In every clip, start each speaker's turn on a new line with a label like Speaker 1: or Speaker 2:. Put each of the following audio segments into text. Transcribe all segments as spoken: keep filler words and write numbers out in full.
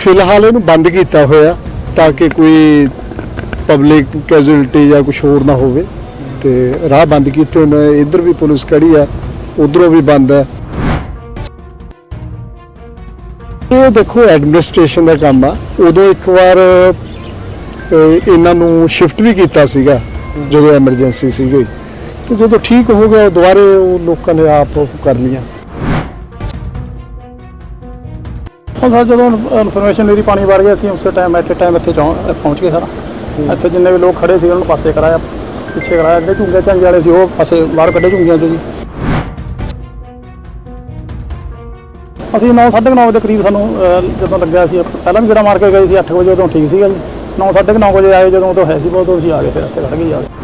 Speaker 1: फिलहाल इहनूं बंद किया होया ताकि कोई पब्लिक कैजुअलिटी या कुछ होर ना होवे ते राह बंद किए ने। इधर भी पुलिस खड़ी है, उधरों भी बंद है। ये देखो एडमिनिस्ट्रेशन का काम आ। उदों एक बार इन्हां नूं शिफ्ट भी किया सीगा जो एमरजेंसी सी, तो जो ठीक हो गया दोबारे लोगों ने आप कर लिया।
Speaker 2: सर जो इन्फॉर्मेशन मेरी पानी भर गया उस टाइम एट टाइम इतने पहुँच गए सर। इतने जिन्ने भी लोग खड़े थे उन्होंने पासे कराया, पिछे कराया। जो झुंगे झंगे वाले वो पासे बाहर कढ़े झुंगियां चो जी। असी नौ साढ़े नौ बजे करीब सूँ जो लग्या पहला भी गेड़ा मार के गए अठ बजे उदों ठीक सी जी। नौ साढ़े नौ बजे आए जो उदों है उदों असीं आ गए, फिर इतने खड़ गए जाके।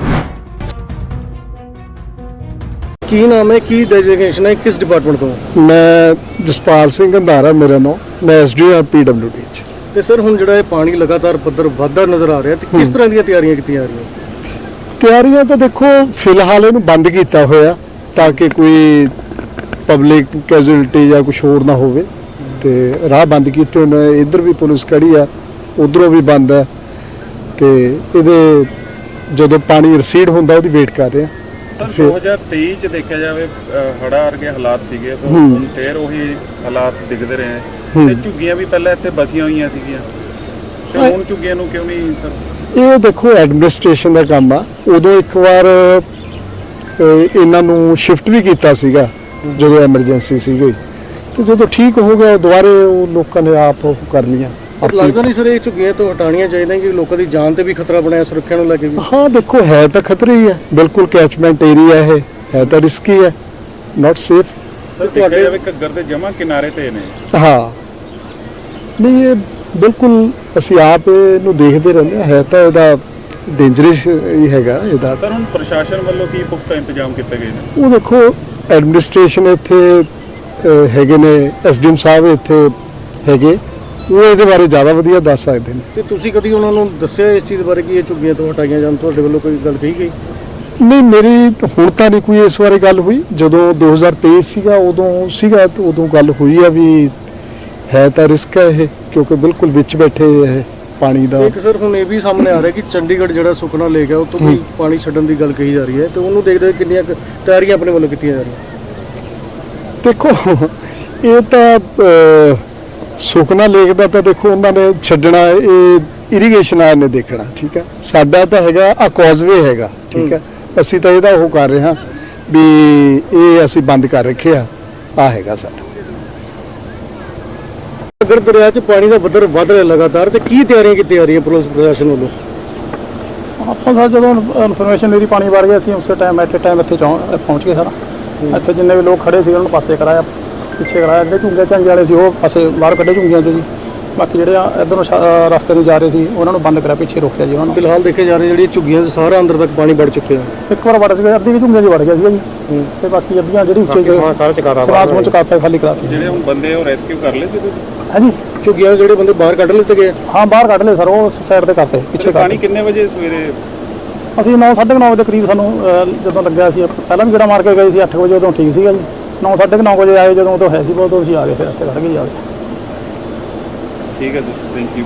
Speaker 3: की नाम है, की डेजिग्नेशन है, किस डिपार्टमेंट तो?
Speaker 1: मैं जसपाल सिंह अंधारा मेरा नाम, मैं S D O P W D च।
Speaker 3: तो सर हुण जिहड़ा पानी लगातार पद्धर वधदा नज़र आ रहा है, तो किस तरह दी तैयारियां कीतियां जा रही?
Speaker 1: तैयारियां तो देखो फिलहाल इहनूं बंद किया होया ताकि कोई पब्लिक कैजुअलिटी या कुछ होर ना होवे ते राह बंद किए ने। इधर भी पुलिस खड़ी है, उधरों भी बंद है। तो इहदे जदों पानी रिसीड होंदा उहदी वेट कर रहे हैं।
Speaker 4: सर दो हज़ार तेईस च देखा जाए हड़ा वर्गे हालात सीगे, तो हुण फिर उही हालात दिखते रहे हैं। ते झुग्गियां भी पहले इत्थे बसियां होईयां सीगियां, ते हुण झुग्गियां नूं क्यों नहीं सर?
Speaker 1: ये देखो एडमिनिस्ट्रेशन का काम आ। उदों एक बार इन्हां नूं शिफ्ट भी किया सीगा जो एमरजेंसी सी, तो जो ठीक हो गया दोबारे लोगों ने आप कर लिया।
Speaker 3: पर लगता नहीं सर ये झुग्गियां तो हटानियां चाहिए कि लोगों की जान से भी खतरा बनाया सुरक्षा को लेके भी?
Speaker 1: हाँ देखो है तो खतरे ही है, बिल्कुल कैचमेंट एरिया है, है तो रिस्की है, नॉट सेफ।
Speaker 4: सर घग्गर दे जमा किनारे ते ने।
Speaker 1: हाँ नहीं ये बिल्कुल असी आप इहनूं देखते रहने, है तो इहदा डेंजरस ही हैगा इहदा।
Speaker 4: सर हुण प्रशासन वालों की पुख्ता इंतजाम किए गए ने?
Speaker 1: वो देखो एडमिनिस्ट्रेशन इत्थे हैगे ने, एस डी एम साहब इत्थे हैगे, वो ਇਹਦੇ ਬਾਰੇ ਜ਼ਿਆਦਾ ਵਧੀਆ ਦੱਸ ਸਕਦੇ ਨੇ।
Speaker 3: ਤੇ ਤੁਸੀਂ ਕਦੀ ਉਹਨਾਂ ਨੂੰ ਦੱਸਿਆ ਇਸ ਚੀਜ਼ ਬਾਰੇ ਕਿ ਇਹ ਝੁੱਗੀਆਂ ਤੋਂ ਹਟਾਈਆਂ ਜਾਣ, ਤੁਹਾਡੇ ਵੱਲੋਂ ਕੋਈ ਗੱਲ ਕਹੀ ਗਈ?
Speaker 1: ਨਹੀਂ ਮੇਰੀ ਹੁਣ ਤਾਂ ਨਹੀਂ ਕੋਈ ਇਸ ਬਾਰੇ ਗੱਲ ਹੋਈ। ਜਦੋਂ ਦੋ ਹਜ਼ਾਰ ਤੇਈ ਸੀਗਾ ਉਦੋਂ ਸੀਗਾ, ਤੇ ਉਦੋਂ ਗੱਲ ਹੋਈ ਆ ਵੀ ਹੈ ਤਾਂ ਰਿਸਕ ਹੈ ਇਹ, ਕਿਉਂਕਿ ਬਿਲਕੁਲ ਵਿੱਚ ਬੈਠੇ ਇਹ ਪਾਣੀ ਦਾ।
Speaker 3: ਇੱਕ ਸਰ ਹੁਣ ਇਹ ਵੀ ਸਾਹਮਣੇ ਆ ਰਿਹਾ ਕਿ ਚੰਡੀਗੜ੍ਹ ਜਿਹੜਾ ਸੁਖਨਾ ਲੇਕ ਹੈ ਉਹ ਤੋਂ ਵੀ ਪਾਣੀ ਛੱਡਣ ਦੀ ਗੱਲ ਕਹੀ ਜਾ ਰਹੀ ਹੈ, ਤੇ ਉਹਨੂੰ ਦੇਖਦੇ ਕਿੰਨੀਆਂ ਤਿਆਰੀਆਂ ਆਪਣੇ ਵੱਲੋਂ ਕੀਤੀਆਂ ਜਾ ਰਹੀਆਂ?
Speaker 1: ਦੇਖੋ ਇਹ ਤਾਂ ਸੁਖਨਾ ਲੇਕ ਦਾ ਤਾਂ ਦੇਖੋ ਉਹਨਾਂ ਨੇ ਛੱਡਣਾ, ਇਹ ਇਰੀਗੇਸ਼ਨ ਵਾਲਿਆਂ ਨੇ ਦੇਖਣਾ, ਠੀਕ ਹੈ। ਸਾਡਾ ਤਾਂ ਹੈਗਾ ਆ ਕੌਜ਼ਵੇ ਹੈਗਾ, ਠੀਕ ਹੈ। ਅਸੀਂ ਤਾਂ ਇਹਦਾ ਉਹ ਕਰ ਰਹੇ ਹਾਂ ਵੀ ਇਹ ਅਸੀਂ ਬੰਦ ਕਰ ਰੱਖਿਆ, ਆ ਹੈਗਾ ਸਾਡਾ।
Speaker 3: ਅਗਰ ਦਰਿਆ 'ਚ ਪਾਣੀ ਦਾ ਪੱਧਰ ਵਧ ਰਿਹਾ ਲਗਾਤਾਰ, ਤੇ ਕੀ ਤਿਆਰੀਆਂ ਕੀਤੀਆਂ ਜਾ ਰਹੀਆਂ ਪੁਲਿਸ ਪ੍ਰਸ਼ਾਸਨ ਵੱਲੋਂ?
Speaker 2: ਆਪਾਂ ਸਰ ਜਦੋਂ ਇਨਫੋਰਮੇਸ਼ਨ ਮੇਰੀ ਪਾਣੀ ਭਰ ਗਿਆ ਉਸ टाइम एट टाइम इतने पहुँच गए सर। इतने जिन्ने भी लोग खड़े थे उन्होंने पासे कराया, पिछे कराया। जो झुंगे झंगे वाले वो पासे बाहर कढ़े झुंगियां चो जी। बाकी जो इधरों रस्ते में जा रहे थे उन्होंने बंद कराया, पिछे रोकया जी उन्होंने।
Speaker 3: फिलहाल देखे जा रहे हैं झुग्गियां सारा अंदर तक पानी बढ़ चुके हैं।
Speaker 2: एक बार वड़ गया, अद्धी भी झुंगे वड़ गया जी, तो बाकी अद्धियां जी उच्चे सरास चुकाता खाली कराती।
Speaker 4: ਜਿਹੜੇ ਹੁਣ ਬੰਦੇ ਉਹ ਰੈਸਕਿਊ ਕਰ ਲਏ ਸੀ ਤੁਸੀਂ?
Speaker 2: हाँ जी
Speaker 3: झुग्गियां ਜਿਹੜੇ ਬੰਦੇ ਬਾਹਰ ਕੱਢ ਲਿੱਤੇ ਗਏ?
Speaker 2: हाँ बाहर कढ़ ले सर, वो साइड से करते पिछे।
Speaker 4: ਪਾਣੀ ਕਿੰਨੇ ਵਜੇ ਸਵੇਰੇ?
Speaker 2: ਅਸੀਂ नौ साढ़े नौ बजे करीब सूँ जो लग्या पहला भी गेड़ा मार के गए अठ बजे उदों ठीक सी जी। नौ साढ़े नौ बजे आए जो उदों है उदों असीं आ गए, फिर इतने खड़ गए जाके।
Speaker 4: ठीक है सर, थैंक यू।